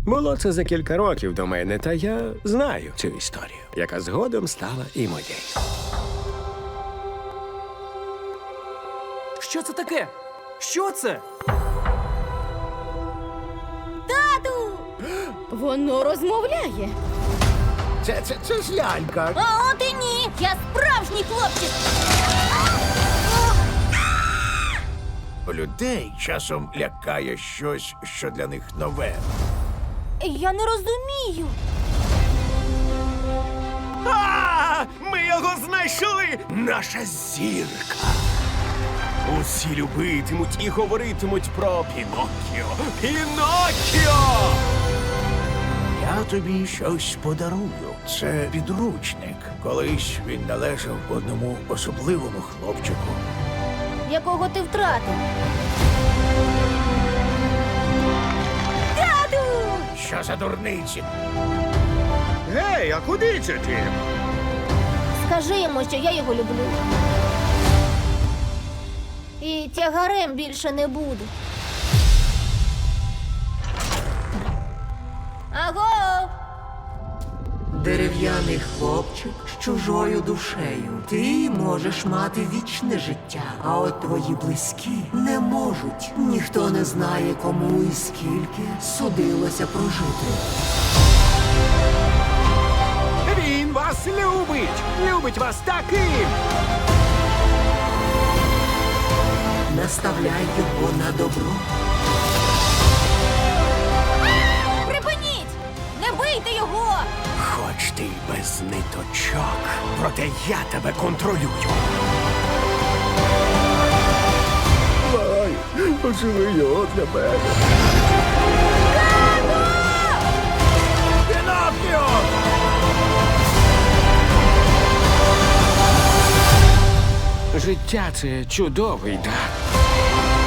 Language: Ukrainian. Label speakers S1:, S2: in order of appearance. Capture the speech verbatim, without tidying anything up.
S1: Було це за кілька років до мене, та я знаю цю історію, яка згодом стала і моєю.
S2: Що це таке? Що це?
S3: Тату! Воно розмовляє.
S4: Це, це, це ж лялька.
S3: А от і ні! Я справжній хлопчик!
S4: Людей часом лякає щось, що для них нове.
S3: Я не розумію.
S4: А, ми його знайшли! Наша зірка. Усі любитимуть і говоритимуть про Піноккіо. Піноккіо! Я тобі щось подарую. Це підручник. Колись він належав одному особливому хлопчику.
S3: Якого ти втратив? Тату!
S4: Що за дурниці?
S1: Гей, а куди це ти?
S3: Скажи йому, що я його люблю. І тягарем більше не буду. Аго!
S5: Дерев'яний хлопчик з чужою душею. Ти можеш мати вічне життя, а от твої близькі не можуть. Ніхто не знає, кому і скільки судилося прожити.
S1: Він вас любить! Любить вас таким!
S5: Наставляй його на добро.
S3: Припиніть! Не бийте його!
S4: Хоч ти й без ниточок, проте я тебе контролюю. Ай, поживи його для мене. Піноккіо!
S1: Життя – це чудовий дар.